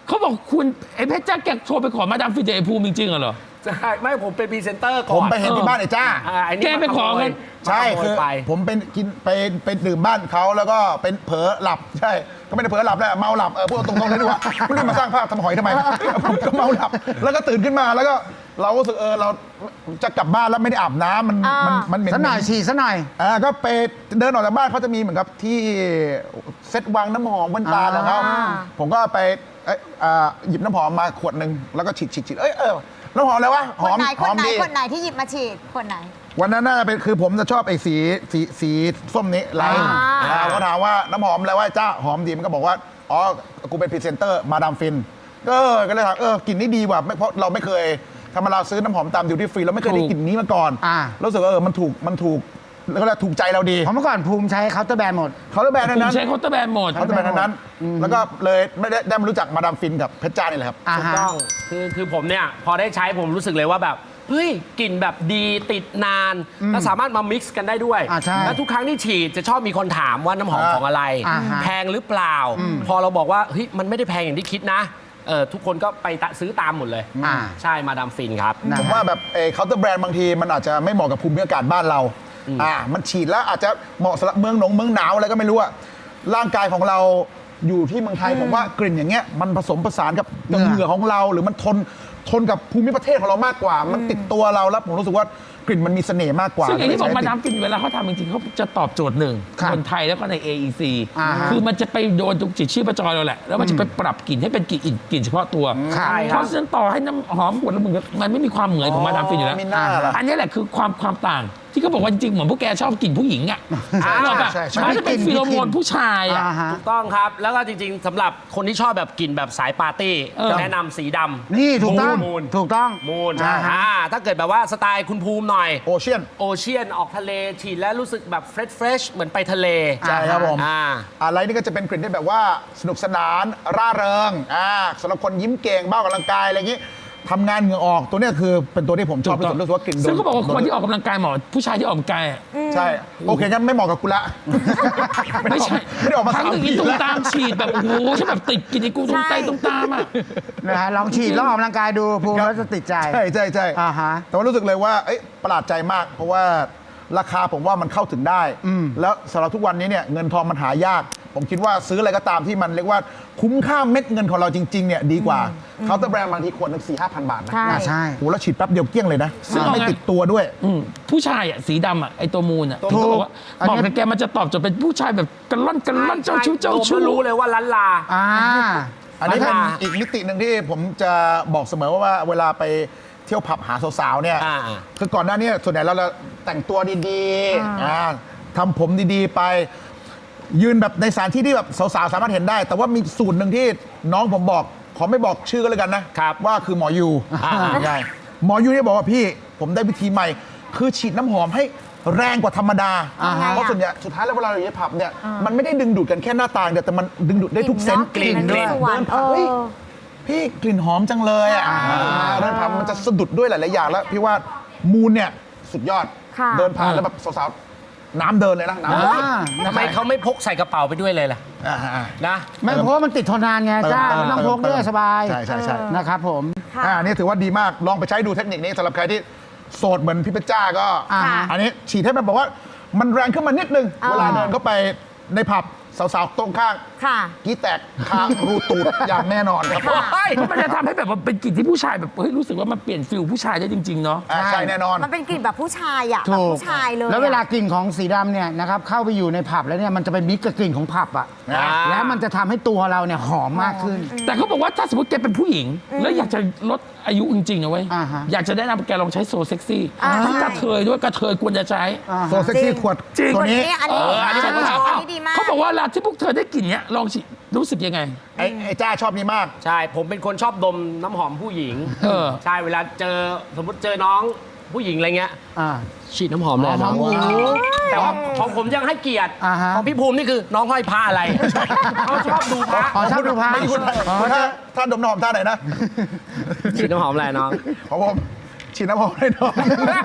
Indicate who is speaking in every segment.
Speaker 1: เขาบอกคุณไอ้เพชรจ้าแกโทรไปขอมาดามฟินจากไอ้ภูมิจริงๆเหรอ
Speaker 2: ใช่ไม่ผมเป็นพรีเซนเตอร์ก่อน
Speaker 3: ผมไปเห็นที่บ้านไอ้จ้า
Speaker 1: แกไปขอเงิน
Speaker 3: ใช่คือผมเป็นกินไปดื่มบ้านเขาแล้วก็เป็นเผลอหลับใช่ก็ไม่ได้เผลอหลับแหละเมาหลับพูดตรงๆเลยดีกว่าไม่ได้มาสร้างภาพทำหอยทำไมผมก็เมาหลับแล้วก็ตื่นขึ้นมาแล้วก็เรารู้สึกเราจะกลับบ้านแล้วไม่ได้อาบน้ำมันเหม็น
Speaker 4: ซะหน่อยฉี่ซะหน่อย
Speaker 3: ก็ไปเดินออกจากบ้านเขาจะมีเหมือนกับที่เซ็ตวางน้ำหอมบนตาของเขาผมก็ไปหยิบน้ำหอมมาขวดหนึ่งแล้วก็ฉีดน้ำหอมอะไรวะหอมดี
Speaker 5: คนไหนที่หยิบมาฉีดคนไหน
Speaker 3: วันนั้นน่าจะเป็นคือผมจะชอบไอ้สีส้มนี้ไลท์ก็ถามว่าน้ำหอมอะไรวะจ้าหอมดีมันก็บอกว่าอ๋อกูเป็นพรีเซนเตอร์มาดามฟินก็เลยถามกลิ่นนี้ดีว่ะเพราะเราไม่เคยธรรมดาซื้อน้ำหอมตามดิวตี้ฟรีเราไม่เคยได้กลิ่นนี้มาก่อนรู้สึกว่ามันถูกแล้วก็ถูกใจเราดี
Speaker 4: เพราะเมื่อก่อนภูมิใช้เคาน์เตอร์แบรนด์หมด
Speaker 3: เคาน์เตอร์แบรนด์นั้น
Speaker 1: ใช้เคาน์เตอร์แบรนด์หมด
Speaker 3: นั้นแล้วก็เลยไม่ได้มารู้จักมาดามฟินกับเพชรจ้านี่แหละครับ
Speaker 2: ถูกต้องคือผมเนี่ยพอได้ใช้ผมรู้สึกเลยว่าแบบเฮ้ยกลิ่นแบบดีติดนานแล้วสามารถมามิกซ์กันได้ด้วยแล้วทุกครั้งที่ฉีดจะชอบมีคนถามว่าน้ำหอมของอะไรแพงหรือเปล่าพอเราบอกว่าเฮ้ยมันไม่ได้แพงอย่างที่คิดนะทุกคนก็ไปซื้อตามหมดเลยใช่มาดามฟินครับ
Speaker 3: ผมว่าแบบเคาน์เตอร์แบรนด์บางทีมันอาจจะไม่เหมาะกับภูมิอากาศบ้านเรามันฉีดแล้วอาจจะเหมาะสำหรับเมืองหนาวอะไรก็ไม่รู้อะร่างกายของเราอยู่ที่เมืองไทยผมว่ากลิ่นอย่างเงี้ยมันผสมผสานกับเหงื่อของเราหรือมันทนกับภูมิประเทศของเรามากกว่ามันติดตัวเราแล้วผมรู้สึกว่ากลิ่นมันมีเสน่ห์มากกว่า
Speaker 1: ซึ่งอย่างที่บอกมาดามฟินเวลาเขาทำจริงๆเขาจะตอบโจทย์หนึ่งคนไทยแล้วก็ใน AEC คือมันจะไปโดนตรงจิตชีพจรเราแหละแล้วมันจะไปปรับกลิ่นให้เป็นกลิ่นเฉพาะตัวเพราะฉะนั้นต่อให้น้ำหอมขวดละหมื่นมันไม่มีความเหมือนของมาดามฟินอยู่แล้วอันนี้แหละคือความต่างที่เขาบอกว่าจริงๆเหมือนพวกแกชอบกลิ่นผู้หญิงอ่ะมันจะเป็นฟีโรโมนผู้ชายอ่ะ
Speaker 2: ถูกต้องครับแล้วก็จริงๆสำหรับคนที่ชอบแบบกลิ่นแบบสายปาร์ตี้แนะนำสีดำ
Speaker 4: นี่ถูกต้อง
Speaker 2: มูนถ้าเกิดแบบว่าสไตล์คุณภูมิหน่อย
Speaker 3: โอเชียน
Speaker 2: ออกทะเลฉีดแล้วรู้สึกแบบเฟรชเหมือนไปทะเล
Speaker 3: ใช่ครับผมอะไรนี่ก็จะเป็นกลิ่นที่แบบว่าสนุกสนานร่าเริงสำหรับคนยิ้มเก่งบ้ากำลังกายอะไรอย่างนี้ทำงานเหงื่อออกตัวนี้คือเป็นตัวที่ผมชอบที่สุดรู้สึกว่ากลิ่น
Speaker 1: ซึ่งเขาบอกว่าคนที่ออกกำลังกายเหมาะผู้ชายที่ออกกำลังกาย
Speaker 3: ใช่โอเคงั้นไม่เหมาะกับกูละ
Speaker 1: ไม่ใช่
Speaker 3: ไม่ได้ออกมา
Speaker 1: ทั้งอย่างนี้ตุ้มตามฉีดแบบโอ้โหฉันแบบติดกินไอ้กูตุ้มไตตุ้มตามอ่ะ
Speaker 4: นะฮะลองฉีดแล้วออกกำลังกายดูภูมิแล้วจะติดใจ
Speaker 3: ใช่แต่ว่ารู้สึกเลยว่าประหลาดใจมากเพราะว่าราคาผมว่ามันเข้าถึงได้แล้วสำหรับทุกวันนี้เนี่ยเงินทองมันหายากผมคิดว่าซื้ออะไรก็ตามที่มันเรียกว่าคุ้มค่าเม็ดเงินของเราจริงๆเนี่ยดีกว่าเคาน์เตอร์แบรนด์บางทีขวดนึง 4-5,000 บาทนะ
Speaker 4: ใช่
Speaker 3: โหแล้วฉีดแป๊บเดียวเกลี้ยงเลยนะซึ่งไม่ติดตัวด้วย
Speaker 1: ผู้ชายอ่ะสีดำอ่ะไอตัวมูนอ่ะถูกบอกกับแกมันจะตอบโจทย์เป็นผู้ชายแบบกระล่อนเจ้าชู้
Speaker 2: รู้เลยว่าล้านลา
Speaker 3: อันนี้เป็นอีกมิติหนึ่งที่ผมจะบอกเสมอว่าเวลาไปเที่ยวผับหาสาวๆเนี่ยคือก่อนหน้านี้ส่วนใหญ่เราจะแต่งตัวดีๆทำผมดีๆไปยืนแบบในสถานที่ที่แบบสาวๆสามารถเห็นได้แต่ว่ามีสูตรหนึ่งที่น้องผมบอกขอไม่บอกชื่อก็แล้วกันนะว่าคือหมอยูใช่หมอยูเนี่ยบอกว่าพี่ผมได้วิธีใหม่คือฉีดน้ำหอมให้แรงกว่าธรรมดาเพราะส่วนใหญ่สุดท้ายแล้วเวลาเราอยู่ในผับเนี่ยมันไม่ได้ดึงดูดกันแค่หน้าตาเดียวแต่มันดึงดูดได้ทุกเซนส์
Speaker 2: กลิ่น
Speaker 3: เดินผ่านพี่กลิ่นหอมจังเลยเดินผ่านมันจะสะดุดด้วยหลายๆอย่างแล้วพี่ว่ามูนเนี่ยสุดยอดเดินผ่านแล้วแบบสาวน้ำเดินเลยนะ
Speaker 2: ทำไมเขาไม่พกใส่กระเป๋าไปด้วยเลยล่ะนะ
Speaker 4: ไม่เพราะว่ามันติดทนนานไงจ้าไม่ต้องพกด้วยสบาย
Speaker 3: ใช่
Speaker 4: นะครับผม
Speaker 3: นี่ถือว่าดีมากลองไปใช้ดูเทคนิคนี้สำหรับใครที่โสดเหมือนพี่เพชรจ้าก็อันนี้ฉีดให้มันบอกว่ามันแรงขึ้นมานิดนึงเวลาเดินเข้าไปในผับสาวๆตรงข้างกี้แตกคางรูตูดอย่างแน่นอนครับ
Speaker 1: มันจะทำให้แบบว่าเป็นกลิ่นที่ผู้ชายแบบเฮ้ยรู้สึกว่ามันเปลี่ยนฟิลผู้ชายได้จริงๆเนาะ
Speaker 3: ใช่แน่นอน
Speaker 5: มันเป็นกลิ่นแบบผู้ชายอ่ะแบบผู้ชายเลย
Speaker 4: แล้วเวลากลิ่นของสีดำเนี่ยนะครับเข้าไปอยู่ในผับแล้วเนี่ยมันจะไปมิกกับกลิ่นของผับอ่ะแล้วมันจะทำให้ตัวเราเนี่ยหอมมากขึ้น
Speaker 1: แต่เขาบอกว่าถ้าสมมติแกเป็นผู้หญิงแล้วอยากจะลดอายุจริงๆนะเว้ยอยากจะแนะนำแกลองใช้โซเซ็กซี่ทั้งกระเทยด้วยกระเทยควรจะใช้
Speaker 3: โซเซ็กซี่ขวดตัวนี้
Speaker 5: อันนี้ดีมาก
Speaker 1: เขาบอกว่าเวลาที่พวกเธอได้กลิ่นเนี้ยลองฉีดรู้สึกยังไง
Speaker 3: ไอ้จ้าชอบนี้มาก
Speaker 2: ใช่ผมเป็นคนชอบดมน้ำหอมผู้หญิงใช่เวลาเจอสมมติเจอน้องผู้หญิงอะไรเงี้ยฉีดน้ำหอมเลยน้องแต่ว่าของผมยังให้เกียรติของพี่ภูมินี่คือน้องห้อยพระอะไรเขาชอบดูพระ
Speaker 4: ชอบดูพระ
Speaker 3: ถ้าดมน้ำหอมท่าไหนนะ
Speaker 2: ฉีดน้ำหอมอะไรน้อง
Speaker 3: ของผมฉีดน้ำหอมให้น้อง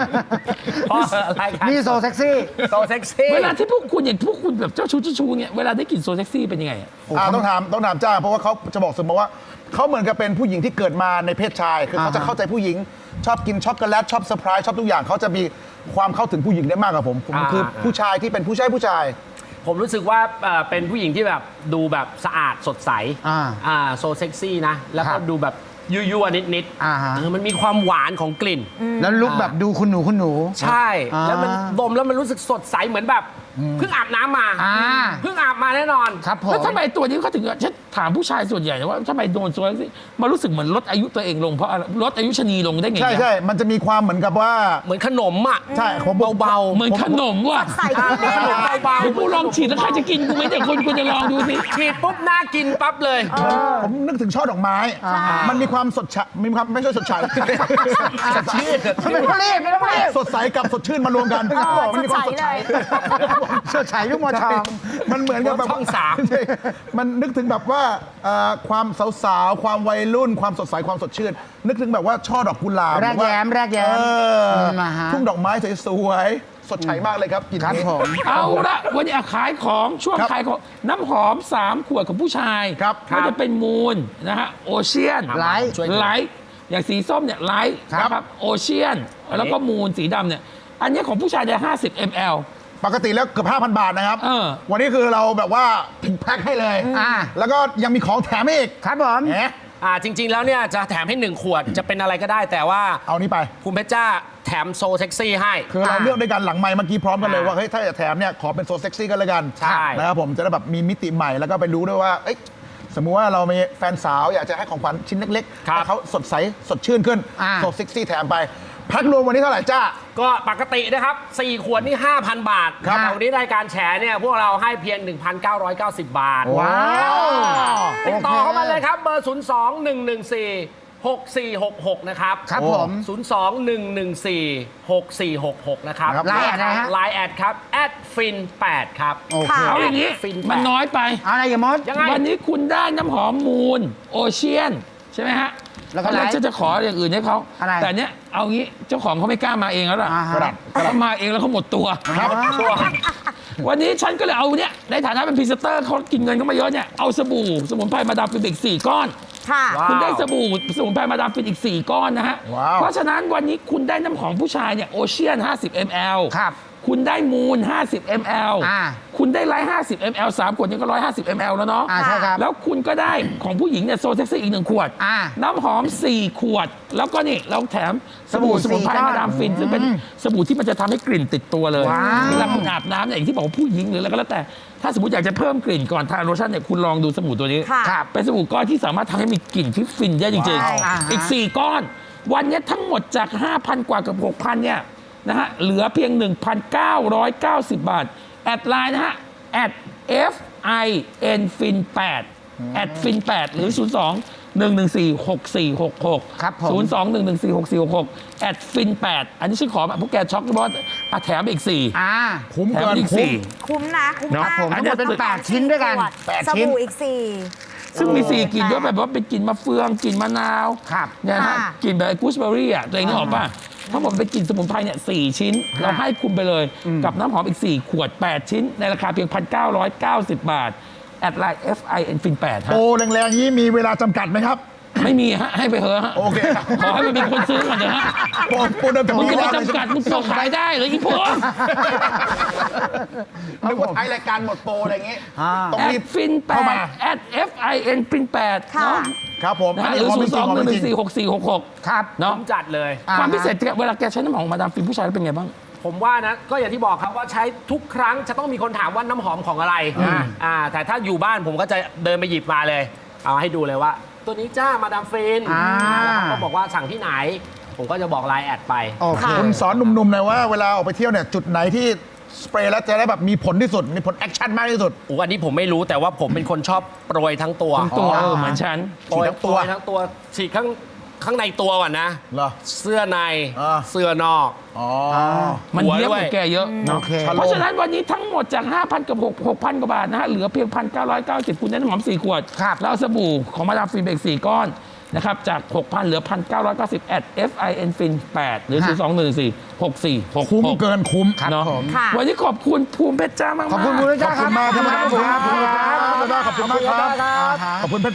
Speaker 4: นี่โซเซ็กซี่
Speaker 1: เวลาที่พวกคุณอย่างพวกคุณแบบเจ้าชู้เนี่ยเวลาได้กลิ่นโซเซ็กซี่เป็นยังไง
Speaker 3: ต้องถามจ้าเพราะว่าเขาจะบอกเสมอว่าเขาเหมือนกับเป็นผู้หญิงที่เกิดมาในเพศชาย คือเขาจะเข้าใจผู้หญิง ชอบกินช็อกโกแลตชอบเซอร์ไพรส์ชอบทุกอย่างเขาจะมีความเข้าถึงผู้หญิงได้มากกว่าผมคือผู้ชายที่เป็นผู้ชาย
Speaker 2: ผมรู้สึกว่าเป็นผู้หญิงที่แบบดูแบบสะอาดสดใสโซเซ็กซี่นะ แล้วก็ดูแบบยั่วๆนิดๆมันมีความหวานของกลิ่น
Speaker 4: แล้วลุกแบบดูคุณหนู
Speaker 2: ใช่ แล้วมันดมแล้วมันรู้สึกสดใสเหมือนแบบเพิ่งอาบน้ำมาเพิ่งอาบมาแน่นอน
Speaker 4: ครับผม
Speaker 1: แล้วทำไมตัวนี้เขาถึงฉันถามผู้ชายส่วนใหญ่นะว่าทำไมโดนโซนสิมันรู้สึกเหมือนลดอายุตัวเองลงเพราะอะไรลดอายุชะนีลงได้ไง
Speaker 3: ใช่ใช่มันจะมีความเหมือนกับว่า
Speaker 2: เหมือนขนมอ่ะ
Speaker 3: ใช่ผม
Speaker 2: เบา
Speaker 1: เหมือนขนมว่ะ
Speaker 5: ใส่ขึ้นเลย
Speaker 2: เบา
Speaker 1: เดี๋ยวกูลองฉีดแล้วใครจะกินกูไหมแต่คนคุณจะลองดูสิ
Speaker 2: ฉีดปุ๊บน่ากินปั๊บเลย
Speaker 3: ผมนึกถึงช่อดอกไม้ มันมีความสดชื่นมีความไม่ใช่สดใสสดชื่น
Speaker 4: ไม่ต้องรีบไม่ต้องรีบ
Speaker 3: สดใสกับสดชื่นมารวมกันมันมีความสดใส
Speaker 4: เสื้อฉายลูกมอทอง
Speaker 3: มันเหมือนกับแบบ
Speaker 2: ช่องสาม
Speaker 3: ใช่มันนึกถึงแบบว่าความสาวๆความวัยรุ่นความสดใสความสดชื่น นึกถึงแบบว่าช่อดอกกุหลาบ
Speaker 4: แรกแย้มแรกแย้ม
Speaker 3: เออ
Speaker 4: มาฮะ
Speaker 3: ทุ่งดอกไม้สวยๆสดใสมากเลยครับกลิน
Speaker 4: ครับ
Speaker 3: นี้
Speaker 4: ผม
Speaker 1: เอาละวันนี้ขายของช่วง
Speaker 3: ครับ
Speaker 1: ขายของน้ำหอม 3 ขวดของผู้ชาย
Speaker 3: ครับ
Speaker 1: ก็จะเป็นมูลนะฮะโอเชียน
Speaker 4: ไลท์
Speaker 1: ไลท์อย่างสีส้มเนี่ยไลท์
Speaker 3: ครับ
Speaker 1: นะครับโอเชียนแล้วก็มูลสีดำเนี่ยอันนี้ของผู้ชายจะ50 ml
Speaker 3: ปกติแล้วเกือบ 5,000 บาทนะครับ
Speaker 1: เออ
Speaker 3: วันนี้คือเราแบบว่าแพ็คให้เลย แล้วก็ยังมีของแถมให้อีก
Speaker 4: ครับผม
Speaker 3: แหม
Speaker 2: จริง ๆ แล้วเนี่ยจะแถมให้ 1 ขวดจะเป็นอะไรก็ได้ แต่ว่า
Speaker 3: เอานี้ไป
Speaker 2: คุณเพชรจ้าแถมโซเซ็กซี่ให้
Speaker 3: คือเราเลือกด้วยกันหลังไมค์เมื่อกี้พร้อมกันเลยว่าเฮ้ยถ้าจะแถมเนี่ยขอเป็นโซเซ็กซี่กันเลยกัน
Speaker 2: ใช่
Speaker 3: นะครับผมจะได้แบบมีมิติใหม่แล้วก็ไปรู้ด้วยว่าเอ้ยสมมุติว่าเรามีแฟนสาวอยากจะให้ของขวัญชิ้นเล็กๆ
Speaker 2: ครับ
Speaker 3: ให้เขาสดใสสดชื่นขึ้นโซเซ็กซี่แถมไปแพ็ครวมวันนี้เท่าไหร่จ้า
Speaker 2: ก็ปกตินะครับ 4 ขวดนี่ 5,000 บาท
Speaker 3: ครับ
Speaker 2: แต่วันนี้รายการแฉเนี่ยพวกเราให้เพียง 1,990 บาท
Speaker 3: ว้าว
Speaker 2: ติดต่อเข้ามาเลยครับเบอร์ 02-114-6466 นะครับ
Speaker 4: ครับผม
Speaker 2: 02-114-6466 นะครับ
Speaker 3: ครับ
Speaker 4: ไลน์แอดอะไรฮะ
Speaker 2: ไลน์แอดครับ@fin8 ครับ
Speaker 4: โอเค
Speaker 1: เอาอย่างนี้
Speaker 2: ฟิน
Speaker 1: มันน้อยไป
Speaker 4: เอาอะไรอย่ามด
Speaker 2: ยังไง
Speaker 1: วันนี้คุณได้น้ำหอมมูลโอเชียนใช่ไหมฮะ
Speaker 4: แล้วก็
Speaker 1: ตอนแรก
Speaker 4: ไลท์
Speaker 1: ฉันจะขออย่างอื่นให้เขา
Speaker 4: อะไร
Speaker 1: แต่เนี้ยเอางี้เจ้าของเขาไม่กล้ามาเองแล้วล่ะ
Speaker 4: อ่าฮะ
Speaker 1: เขามาเองแล้วเขาหมดตัว
Speaker 3: ครับ
Speaker 1: วันนี้ฉันก็เลยเอาเนี่ยในฐานะเป็นพรีเซนเตอร์เขากินเงินเขามาเยอะเนี่ยเอาสบู่สมุนไพรมาดามฟินอีก4 ก้อน
Speaker 5: ค่ะ
Speaker 2: ว้าว
Speaker 1: คุณได้สบู่สมุนไพรมาดามฟินอีก 4 ก้อนนะฮะ
Speaker 3: ว้าว
Speaker 1: เพราะฉะนั้นวันนี้คุณได้น้ำหอมผู้ชายเนี่ยโอเชียน50 ml
Speaker 4: ครับ
Speaker 1: คุณได้มูล50 ml คุณได้ไลท์50 ml 3 ขวดนี้ก็150 ml แล้วเนาะ
Speaker 4: ใช่ครับ
Speaker 1: แล้วคุณก็ได้ของผู้หญิงเนี่ยโซเซ็กซี่อีก1 ขวด น้ำหอม 4 ขวด แล้วก็นี่เราแถมสบู่สมุนไพรมาดามฟิน ซึ่งเป็นสบู่ที่มันจะทำให้กลิ่นติดตัวเลย
Speaker 4: ว้าว
Speaker 1: เวลาคุณอาบน้ำเนี่ยอย่างที่บอกว่าผู้หญิงหรืออะไรก็แล้วแต่ ถ้าสมมติอยากจะเพิ่มกลิ่นก่อนทาโลชั่นเนี่ยคุณลองดูสบู่ตัวนี้
Speaker 5: ค่ะ
Speaker 4: ครับ
Speaker 1: เป็นสบู่ก้อนที่สามารถทำให้มีกลิ่นที่ฟินได้จริง
Speaker 5: ว้าว
Speaker 1: ๆ อีก 4 ก้อน วันนี้ทั้งหมดจาก 5,000 กว่ากับ 6,000 เนี่ยนะฮะ เหลือเพียง 1,990 บาท แอดไลน์นะฮะ @FINFIN8 @FIN8 หรือ 02-114-6466
Speaker 4: ครับผม
Speaker 1: 02-114-6466 @FIN8 อันนี้ฉันขอแบบพวกแกช็อกเพราะว่าแถมอีก 4
Speaker 3: คุ้ม
Speaker 1: แถม
Speaker 3: เกิน
Speaker 1: อีก
Speaker 3: คุ้ม
Speaker 1: 4
Speaker 5: คุ้มนะคุ้ม
Speaker 1: เนอะ
Speaker 5: มาก
Speaker 4: ผมทั้งหมดเป็น8 ชิ้นด้วยกัน
Speaker 3: 8
Speaker 5: ส
Speaker 3: ชิ้น
Speaker 5: บู่อีก
Speaker 1: ซึ่งมี 4 กลิ่นด้วยแบบว่าเป็นกลิ่นมะเฟืองกลิ่นมะนาว
Speaker 4: ครับ
Speaker 1: เนี่ยนะฮะ
Speaker 5: ค่ะ
Speaker 1: กลิ่นแบบกูสเบอรี่อ่ะตัวเองนึกออกป่ะทั้งหมดเป็นกลิ่นสมุนไพรเนี่ย4 ชิ้น เราให้คุณไปเลยกับน้ำหอมอีก 4 ขวด 8 ชิ้น ในราคาเพียง 1,990 บาท แอดไลน์ FINFIN8 ฮะ
Speaker 3: โปรแรงๆนี้มีเวลาจำกัดไหมครับ
Speaker 1: ไม่มีฮะ ให้ไปเถอะฮะ
Speaker 3: โอเคครับ
Speaker 1: ขอให้มันมีคนซื้อก่อนเถอะฮะ
Speaker 3: โปรเดิมแต่
Speaker 1: มึง
Speaker 3: มี
Speaker 1: จะ
Speaker 3: เว
Speaker 1: ไป
Speaker 3: ลา
Speaker 1: จำกัดมึงส่งขายได้เหรืออีพวก
Speaker 3: นึกว่าท้ายรายการหมดโปรอะไรอย่างงี้ต้อง
Speaker 1: แอ
Speaker 3: รี
Speaker 1: ด
Speaker 3: บ
Speaker 1: ฟิน
Speaker 3: เข้ามา
Speaker 1: 8แอด FINFIN8
Speaker 5: ค่ะ
Speaker 1: เนาะ
Speaker 3: ครับผม
Speaker 1: นะ
Speaker 3: อัน
Speaker 1: ฮะ
Speaker 3: นี้
Speaker 1: หรือ
Speaker 3: ของจริงของจริง
Speaker 1: 02-114-6466
Speaker 4: ครับ
Speaker 1: เนาะ
Speaker 2: ผมจัดเลย
Speaker 1: ความพิเศษเวลาแกใช้น้ำหอมมาดามฟินผู้ชายแล้วเป็นไงบ้าง
Speaker 2: ผมว่านะก็อย่างที่บอกครับว่าใช้ทุกครั้งจะต้องมีคนถามว่าน้ำหอมของอะไรแต่ถ้าอยู่บ้านผมก็จะเดินไปหยิบมาเลย เอาให้ดูเลยว่า ตัวนี้จ้ามาดามฟินแล้วเขาก็บอกว่าสั่งที่ไหน ผมก็จะบอกไลน์แอดไป
Speaker 4: โอเค
Speaker 3: คุณสอนหนุ่มๆหน่อยว่าเวลาออกไปเที่ยวเนี่ยจุดไหนที่สเปรย์แล้วจะได้แบบมีผลที่สุด มีผลแอคชั่นมากที่สุด
Speaker 2: อันนี้ผมไม่รู้แต่ว่าผมเป็นคนชอบโปรยทั้งตัว
Speaker 1: ตัวเหมือนฉัน
Speaker 2: โปรย
Speaker 3: ฉีดทั้งตัว
Speaker 2: โปรยทั้งตัวฉีดข้างในตัวก่อนนะ
Speaker 3: เหรอ
Speaker 2: เสื้อใน
Speaker 3: อ่า
Speaker 2: เสื้อนอก
Speaker 3: อ๋อ
Speaker 1: มัน
Speaker 2: หัว
Speaker 1: เยอะ
Speaker 2: ด้วย
Speaker 1: กว่าแกเยอะ
Speaker 4: โอเค
Speaker 1: เพราะฉะนั้นวันนี้ทั้งหมดจาก 5,000 กับ 6,000 กว่าบาทนะฮะ เหลือเพียง 1,990 คุณได้น้ำหอม 4 ขวด
Speaker 4: ครับ
Speaker 1: แล้วเอาสบู่ของมาดามฟินไปอีก 4 ก้อนนะครับ จาก 6,000 เหลือ 1,990 FINFIN8 หรือ 02-114-6466
Speaker 3: คุ้มเกินคุ้ม
Speaker 1: เนาะ
Speaker 5: ค่ะ
Speaker 1: วันนี้ขอบคุณภูมิเพชรจ้ามากๆ
Speaker 4: ขอบคุณคุณพระ
Speaker 3: ข
Speaker 4: เจ้า
Speaker 3: อบ
Speaker 4: ค
Speaker 3: คุ
Speaker 4: รับ
Speaker 3: ณมากครับขอบคุณมากครับขอบคุณมากครับขอบคุณเพชร